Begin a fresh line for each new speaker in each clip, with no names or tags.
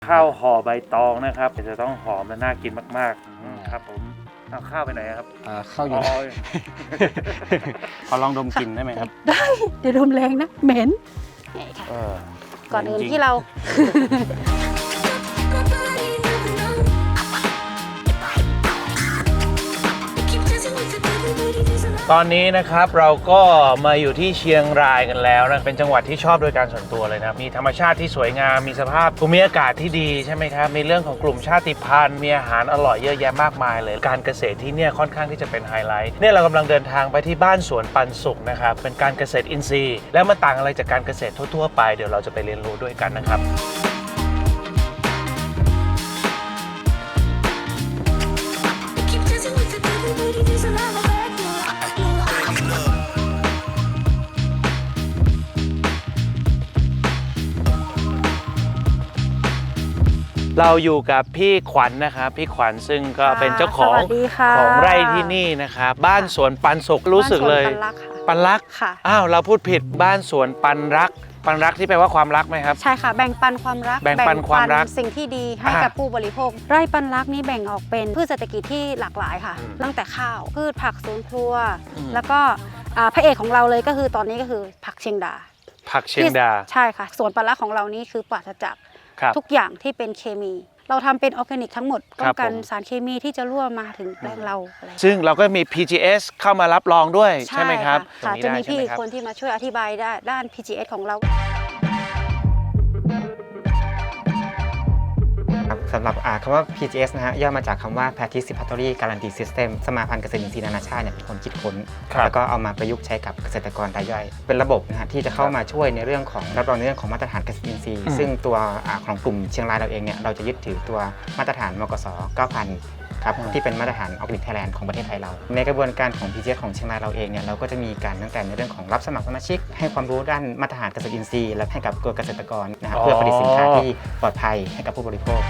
ข้าวห่อใบตองนะครับจะต้องหอมและน่ากินมากๆครับผมเอาข้าวไปไหนครับ
ข้าวอยู่ขอลองดมกลิ่นได้ไหมครับ
ได้เดี๋ยวดมแรงนะเหม็นก่อนอื่นที่เรา
ตอนนี้นะครับเราก็มาอยู่ที่เชียงรายกันแล้วนะเป็นจังหวัดที่ชอบโดยการส่วนตัวเลยนะมีธรรมชาติที่สวยงามมีสภาพภูมิอากาศที่ดีใช่ไหมครับมีเรื่องของกลุ่มชาติพันธุ์มีอาหารอร่อยเยอะแยะมากมายเลยการเกษตรที่เนี่ยค่อนข้างที่จะเป็นไฮไลท์เนี่ยเรากำลังเดินทางไปที่บ้านสวนปันสุขนะครับเป็นการเกษตรอินทรีย์แล้วมันต่างอะไรจากการเกษตรทั่วๆไปเดี๋ยวเราจะไปเรียนรู้ด้วยกันนะครับเราอยู่กับพี่ขวัญนะครับพี่ขวัญซึ่งก็เป็นเจ้าของไร่ที่นี่นะครับบ้านสวนปันสุขรู้สึกเลยปันรักอ้าวเราพูดผิดบ้านสวนปันรักปันรักที่แปลว่าความรักไหมครับ
ใช่ค่ะแบ่งปันความรัก
แบ่งปันความรัก
สิ่งที่ดีให้กับผู้บริโภคไร่ปันรักนี้แบ่งออกเป็นพืชเศรษฐกิจที่หลากหลายค่ะตั้งแต่ข้าวพืชผักสวนครัวแล้วก็พระเอกของเราเลยก็คือตอนนี้ก็คือผักเชียงดาใช่ค่ะสวนปันรักของเรานี้คือปราศจากทุกอย่างที่เป็นเคมีเราทำเป็นออร์แกนิกทั้งหมดป้องกันสารเคมีที่จะรั่วมาถึงแปลงเรา
ซึ่งเราก็มี PGS เข้ามารับรองด้วยใช่ไหมครับ
จะมีพี่คนที่มาช่วยอธิบายด้าน PGS ของเรา
สำหรับคำว่า PGS นะฮะย่อมาจากคำว่า Participatory Guarantee System สมาพันธ์เกษตรอินทรีย์นานาชาติเป็นคนคิดค้นแล้วก็เอามาประยุกต์ใช้กับเกษตรกรรายย่อยเป็นระบบนะฮะที่จะเข้ามาช่วยในเรื่องของรับรองในเรื่องของมาตรฐานเกษตรอินทรีย์ซึ่งตัวของกลุ่มเชียงรายเราเองเนี่ยเราจะยึดถือตัวมาตรฐานมกส 9,000ครับที่เป็นมาตรฐานออร์แกนิกไทยแลนด์ของประเทศไทยเราในกระบวนการของ PGS ของเชียงรายเราเองเนี่ยเราก็จะมีการตั้งแต่ในเรื่องของรับสมัครสมาชิกให้ความรู้ด้านมาตรฐานเกษตรอินทรีย์และให้กับตัวเกษตรกรนะครับเพื่อผลิตสินค้าที่ปลอดภัยให้กับผู้บริโภค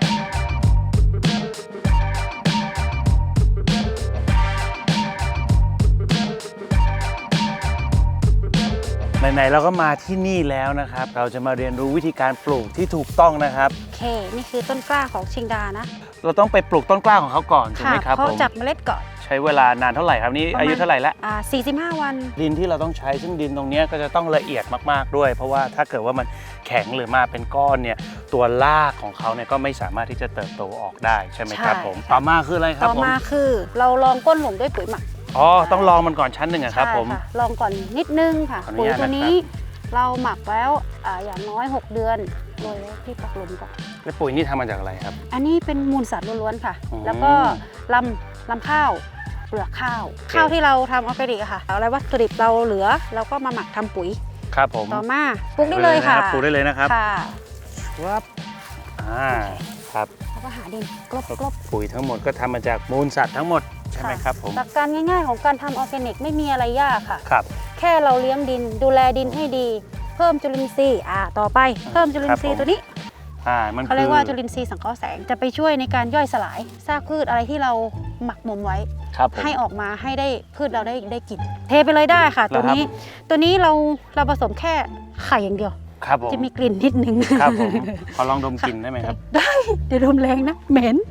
ไหนๆเราก็มาที่นี่แล้วนะครับเราจะมาเรียนรู้วิธีการปลูกที่ถูกต้องนะครับ
โอเคนี่คือต้นกล้าของเชียงดานะ
เราต้องไปปลูกต้นกล้าของเขาก่อนถูกไหมครับ
เพาะจากเมล็ดก่อน
ใช้เวลานานเท่าไหร่ครับนี่อายุเท่าไหร่ละ
45 วัน
ดินที่เราต้องใช้ซึ่งดินตรงนี้ก็จะต้องละเอียดมากๆด้วยเพราะว่าถ้าเกิดว่ามันแข็งหรือมาเป็นก้อนเนี่ยตัวรากของเขาเนี่ยก็ไม่สามารถที่จะเติบโตออกได้ใช่ไหมครับผมต่อมาคืออะไรครับ
ต่อมาคือเราลองก้นหลุมด้วยปุ๋ยหมัก
ต้องลองมันก่อนชั้นหนึ่งครับผม
ลองก่อนนิดนึงค่ะปุ๋ยตัวนี้เราหมักแล้วอย่างน้อย6 เดือนโดยที่ปักหลุมก่อน
แล้วปุ๋ยนี่ทำมาจากอะไรครับ
อันนี้เป็นมูลสัตว์ล้วนๆค่ะแล้วก็ลำข้าวเปลือกข้าวที่เราทำออร์แกนิกค่ะอะไรวัตถุดิบเราเหลือเราก็มาหมักทำปุ๋ย
ครับผม
ต่อมาปลูกได้เลยค่ะ
ปลูกได้เลยนะครับ
ค่ะ
ครับครับ
แล้วก็หาดินกลบ
ปุ๋ยทั้งหมดก็ทำมาจากมูลสัตว์ทั้งหมดใช่ไหมครับผม
หลักการง่ายๆของการทำออร์แกนิกไม่มีอะไรยากค่ะ
ครับ
แค่เราเลี้ยงดินดูแลดินให้ดีเพิ่มจุลินทรีย์ต่อไปเพิ่มจุลินทรีย์ตัวนี้เขาเรียกว่าจุลินทรีย์สังเคราะห์แสงจะไปช่วยในการย่อยสลายซากพืชอะไรที่เราหมักหมมไว้ให้ออกมาให้ได้พืชเราได้กินเทไปเลยได้ค่ะตัวนี้เราผสมแค่ไข่อย่างเดียวจะมีกลิ่นนิดนึง
ครับผมขอลองดมกลิ่นได้ไหมครับ
ได้เดี๋ยวดมแรงนะเหม็น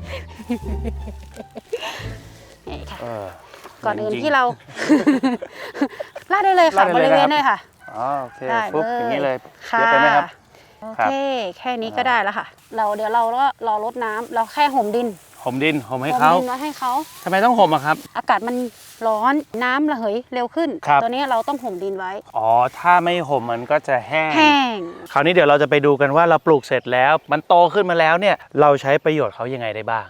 ก่อนอื่นที่เราลาดได้เลยค่ะบริเวณได้ค่ะ
โอเคปุ๊บอย่างนี้เลยเยอะไปไหมครับ
โอเคแค่นี้ก็ได้แล้วค่ะเดี๋ยวเราก็รอรดน้ำเราแค่ห่มดิน
ให้เขาทำไมต้องห่มอะครับ
อากาศมันร้อนน้ำระเหยเร็วขึ้นตัวนี้เราต้องห่มดินไว้
ถ้าไม่ห่มมันก็จะแห้งคราวนี้เดี๋ยวเราจะไปดูกันว่าเราปลูกเสร็จแล้วมันโตขึ้นมาแล้วเนี่ยเราใช้ประโยชน์เขายังไงได้บ้าง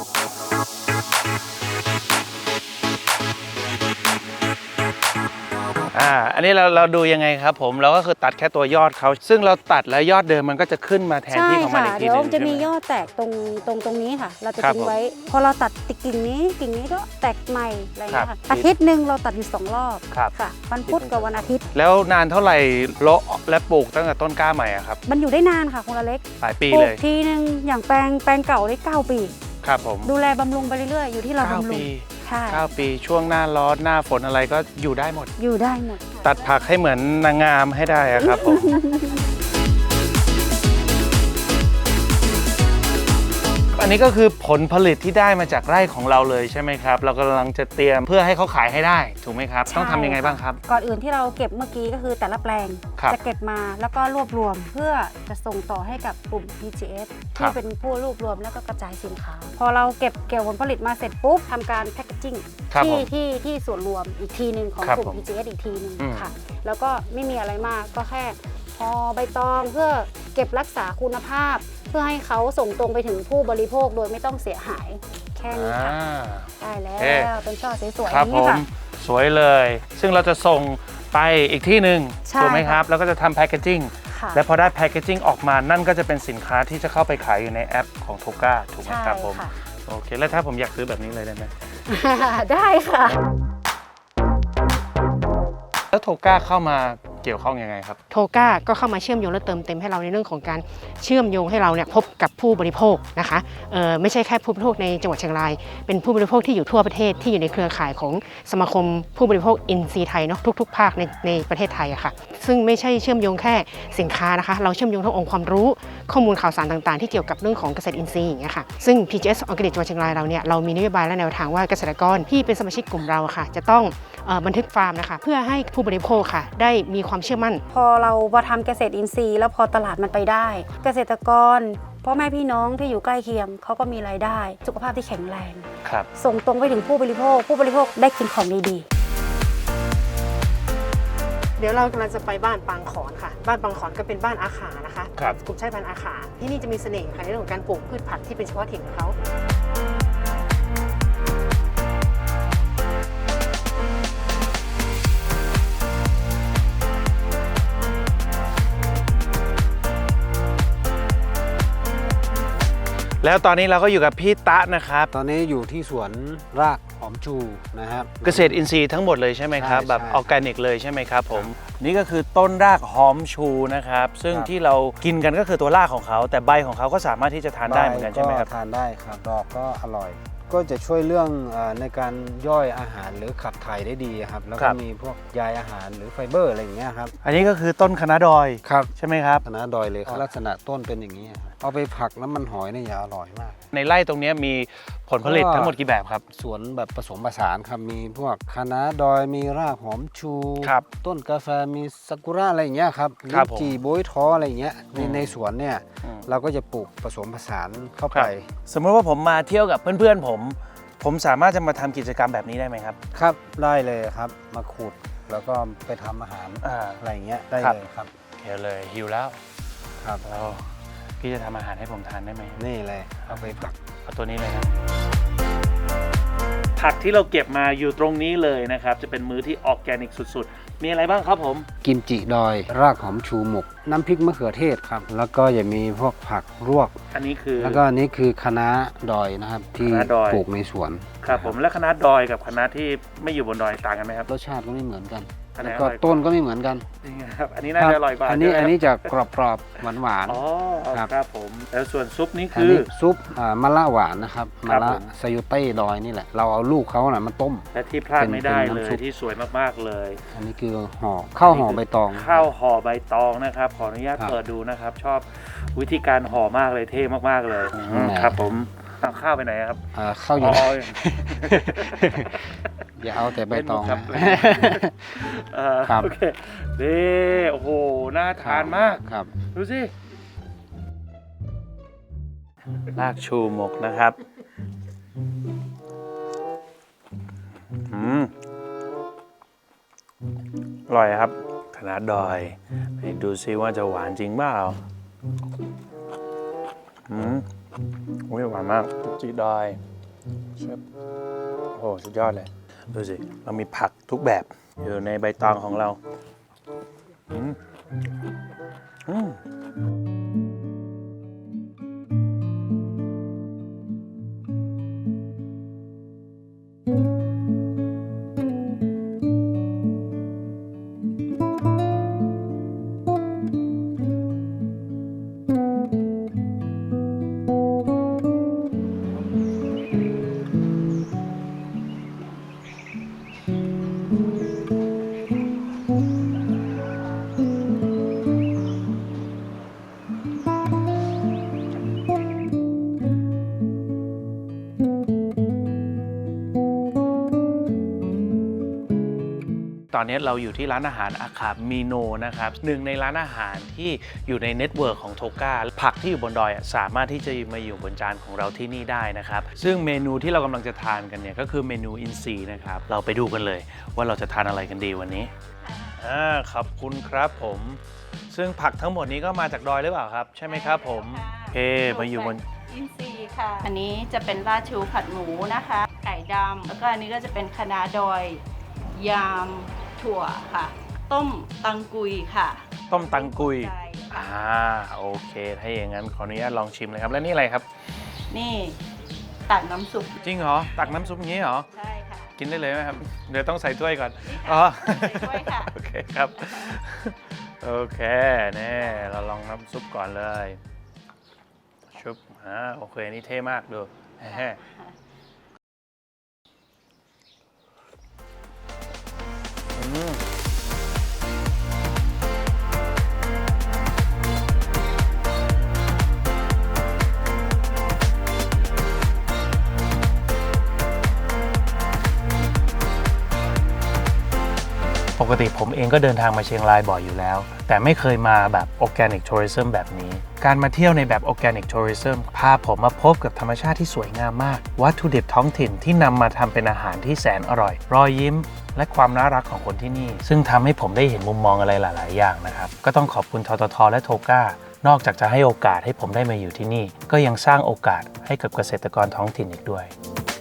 อันนี้เราดูยังไงครับผมเราก็คือตัดแค่ตัวยอดเขาซึ่งเราตัดแล้วยอดเดิมมันก็จะขึ้นมาแทนที่ของมันอีกทีนึง
เดี๋ยวจะมียอดแตกตรงนี้ค่ะเราจะทิ้งไว้พอเราตัดกิ่งนี้ก็แตกใหม่อะไรอย่างเงี้ยค่ะอาทิตย์หนึ่งเราตัดอยู่2 รอบค่ะวันพุธกับวันอาทิตย์
แล้วนานเท่าไหร่เลาะและปลูกตั้งแต่ต้นกล้าใหม่ครับ
มันอยู่ได้นานค่ะคุณอเล็ก
หลายปีเลย
ทีนึงอย่างแปลงเก่าได้9 ปี
ครับผม
ดูแลบำรุงไปเรื่อยๆอยู่ที่เราบำรุง
9 ปีช่วงหน้าร้อนหน้าฝนอะไรก็อยู่ได้หมดตัดผักให้เหมือนนางงามให้ได้ครับผมอันนี้ก็คือผลผลิตที่ได้มาจากไร่ของเราเลยใช่ไหมครับเรากำลังจะเตรียมเพื่อให้เขาขายให้ได้ถูกไหมครับต้องทำยังไงบ้างครับ
ก่อนอื่นที่เราเก็บเมื่อกี้ก็คือแต่ละแปลง
ครับ
จะเก็บมาแล้วก็รวบรวมเพื่อจะส่งต่อให้กับกลุ่ม PGS
ครั
ที่
บ
เป็นผู้รวบรวมแล้วก็กระจายสินค้า พอเราเก็บเกี่ยวผลผลิตมาเสร็จปุ๊บทำการแพคเกจิ้ง
ครับผม
ที่ส่วนรวมอีกทีหนึ่งของ
ครับ
กลุ่ม
ผม
PGS อีกทีหนึ่ง
อืม
ค่ะแล้วก็ไม่มีอะไรมากก็แค่ห่อใบตองเพื่อเก็บรักษาคุณภาพ เพื่อให้เขาส่งตรงไปถึงผู้บริโภคโดยไม่ต้องเสียหายแค่นี้ค่ะ ได้แล้
โอเค
วเป็นช่อสวยๆอ
ครับ
ย่าง
ผ
นี้
ม
ค่ะ
สวยเลย ซึ่งเราจะส่งไปอีกที่หนึ่ง
ใช่
ถูกไหมครับ
ค่ะ
แล้วก็จะทำแพคเกจิ้ง
ค่ะ
และพอได้แพคเกจิ้งออกมานั่นก็จะเป็นสินค้าที่จะเข้าไปขายอยู่ในแอปของโทก้าถูกไหม
ใช่
ครับผม
ค่ะ
โอเคแล้วถ้าผมอยากซื้อแบบนี้เลยได้ไหม
ได้ค่ะ
แล้วโทก้าเข้ามาเกี่ยวข้องยังไงครับ
โทก้าก็เข้ามาเชื่อมโยงและเติมเต็มให้เราในเรื่องของการเชื่อมโยงให้เราเนี่ยพบกับผู้บริโภคนะคะไม่ใช่แค่ผู้บริโภคในจังหวัดเชียงราย เป็นผู้บริโภคที่อยู่ทั่วประเทศที่อยู่ในเครือข่ายของสมาคมผู้บริโภคอินทรีย์ไทยเนาะทุกๆ ภาคในประเทศไทยอะค่ะซึ่งไม่ใช่เชื่อมโยงแค่สินค้านะคะเราเชื่อมโยงทั้งองค์ความรู้ข้อมูลข่าวสารต่างๆที่เกี่ยวกับเรื่องของเกษตรอินทรีย์อย่างเงี้ยค่ะซึ่ง PGS Organic จังหวัดเชียงรายเราเนี่ยเรามีนโยบายและแนวทางว่าเกษตรกรที่เป็นสมาชิกกลุ่มเราอะค่ะจะต้องบันทึกฟาร์มนะคะเพื่อให้ผู้บริโภคค่ะได้มีความเชื่อมั่น
พอเรามาทำเกษตรอินทรีย์แล้วพอตลาดมันไปได้ เกษตรกรพ่อแม่พี่น้องที่อยู่ใกล้เคียงเขาก็มีรายได้ สุขภาพที่แข็งแรง
ครับ
ส่งตรงไปถึงผู้บริโภค ผู้บริโภคได้กินของดีๆ
เดี๋ยวเรากำลังจะไปบ้านปางขอนค่ะ บ้านปางขอนก็เป็นบ้านอาขานะคะ
ครับ
กลุ่มชาติพันธุ์อาขาที่นี่จะมีเสน่ห์ค่ะในเรื่องของการปลูกพืชผักที่เป็นเฉพาะถิ่นของเขา
แล้วตอนนี้เราก็อยู่กับพี่ตะนะครับ
ตอนนี้อยู่ที่สวนรากหอมชูนะครับ
เกษตรอินทรีย์ทั้งหมดเลยใช่ไหมครับ
ใช่
แบบ
ใช่
ออร์แกนิกเลยใช่ไหมครับผมนี่ก็คือต้นรากหอมชูนะครับซึ่ง
ครับ
ที่เรากินกันก็คือตัวรากของเขา แต่ใบของเขาก็สามารถที่จะทานได้เหมือนกันใช่ไหมครับ
ก็ทานได้ครับดอกก็อร่อย ก็จะช่วยเรื่องในการย่อยอาหารหรือขับถ่ายได้ดีครับแล้ว
ครั
ก็
บ
มีพวกใยอาหารหรือไฟเบอร์อะไรอย่างเงี้ยครับ
อันนี้ก็คือต้นคะน้าดอย
ครับ
ใช่ไหมครับ
คณะดอยเลยครับลักษณะต้นเป็นอย่างนี้ครับเอาไปผักน้ำมันหอยเนี่ยจะอร่อยมาก
ในไร่ตรงนี้มีผลผลิต
ก็
ทั้งหมดกี่แบบครับ
สวนแบบผสมผสานครับมีพวกคะน้าดอยมีรากหอมชู
ครับ
ต้นกาแฟมีซากุระอะไรอย่างเงี้ยครับ
ครับ
ลิ้นจี่โบยท้ออะไรอย่างเงี้ยในสวนเนี่ย
อืม
เราก็จะปลูกผสมผสานเข้า
ครั
ไป
บ สมมติว่าผมมาเที่ยวกับเพื่อนๆผมสามารถจะมาทำกิจกรรมแบบนี้ได้ไหมครับ
ครับได้เลยครับมาขุดแล้วก็ไปทำอาหาร
อ่า
อะไรอย่างเงี้ยได้
ครับ
เลยครับ
เดี๋ยวเลยหิวแล้ว
ครับ
แล้วพี่จะทำอาหารให้ผมทานได้ไหม
นี่เลยเอาไปผัก
เอาตัวนี้เลยครับผักที่เราเก็บมาอยู่ตรงนี้เลยนะครับจะเป็นมื้อที่ออร์แกนิกสุดๆ มีอะไรบ้างครับผม
กิมจิดอย รากหอมชูหมก น้ำพริกมะเขือเทศครับ แล้วก็จะมีพวกผักลวก
อันนี้คือ
แล้วก็อันนี้คือคะน้าดอยนะครับที่
คะน้าดอย
ปลูกในสวน
ครับผมและคณะดอยกับคณะที่ไม่อยู่บนดอยต่างกันไหมครับ
รสชาติก็ไม่เหมือนกัน
อันไหน
แล้วก็
อร่อยกว่า
ต้นก็ไม่เหมือนกัน
จริงครับอันนี้น่าจะอร่อยกว่า
อันนี้
ใช่ไหม
อันนี้จะกรอบๆหวาน
อ๋อ
ครับ
ครับผมแล้วส่วนซุปนี้
ๆอัน
คือ
นี้ซุปมะละหวานนะครับ
ครั
มะ
บ
ละ
ผม
ซายูเต้ดอยนี่แหละเราเอาลูกเขาน่ะมาต้ม
และที่พลาดไม่ได้
เป็น
เล
น้ำ
ย
ซุป
ที่สวยมากๆเลย
อันนี้คือข้าวห่อใบตอง
ข้าวห่อใบตองนะครับ ขออนุญาต
ครับ
เปิดดูนะครับ ชอบวิธีการห่อมากเลยเท่มากๆเลย
อืม
ครับผมเอาข้าวไปไหนครับ
ข้าวอยู่
อ๋อ
อย่าเอาแต่ใบตอง
เล่นมุกครับ
นะ ครับ
โอเคนี่โอ้โหน่าทานมาก
ครับ
ดูสิรากชูหมกนะครับอร่อยครับคณะดอยให้ดูซิว่าจะหวานจริงเปล่าอุ้ยหวานมากจีดอยเชฟโอ้สุดยอดเลยดูสิเรามีผักทุกแบบอยู่ในใบตองของเราอืมตอนนี้เราอยู่ที่ร้านอาหารอาคามิโนนะครับหนึ่งในร้านอาหารที่อยู่ในเน็ตเวิร์กของโทก้าผักที่อยู่บนดอยสามารถที่จะมาอยู่บนจานของเราที่นี่ได้นะครับซึ่งเมนูที่เรากำลังจะทานกันเนี่ยก็คือเมนูอินทรีย์นะครับเราไปดูกันเลยว่าเราจะทานอะไรกันดีวันนี้ขอบคุณครับผมซึ่งผักทั้งหมดนี้ก็มาจากดอยหรือเปล่าครับใช่ไหมครับผมโอเคมาอยู่บน
อินทรีย์ค่ะ อันนี้จะเป็นราชูผัดหมูนะคะ ไก่ดำ แล้วก็อันนี้ก็จะเป็นคะน้าดอย ยามถั่วค่ะ ต้มตังกุยค่ะ
ต้มตังกุย
ใช่ค่ะ
โอเคถ้าอย่างนั้นขออนุญาตลองชิมเลยครับแล้วนี่อะไรครับ
นี่ตักน้ำซุป
จริงเหรอตักน้ำซุปอย่างนี้เหรอ
ใช่ค่ะ
กินได้เลยไหมครับเดี๋ยวต้องใส่ถ้วยก่อน
นี่ค่ะ
อ๋อ
ใส่ถ้วยค่ะ
โอเคครับโอเคนี่เราลองน้ำซุปก่อนเลยชุบโอเคนี่เท่มากดูแฮ่ปกติผมเองก็เดินทางมาเชียงรายบ่อยอยู่แล้วแต่ไม่เคยมาแบบ Organic Tourism แบบนี้การมาเที่ยวในแบบ Organic Tourism พาผมมาพบกับธรรมชาติที่สวยงามมากวัตถุดิบท้องถิ่นที่นำมาทำเป็นอาหารที่แสนอร่อยรอยยิ้มและความน่ารักของคนที่นี่ซึ่งทำให้ผมได้เห็นมุมมองอะไรหลายๆอย่างนะครับก็ต้องขอบคุณทททและโทก้านอกจากจะให้โอกาสให้ผมได้มาอยู่ที่นี่ก็ยังสร้างโอกาสให้กับเกษตรกรท้องถิ่นอีกด้วย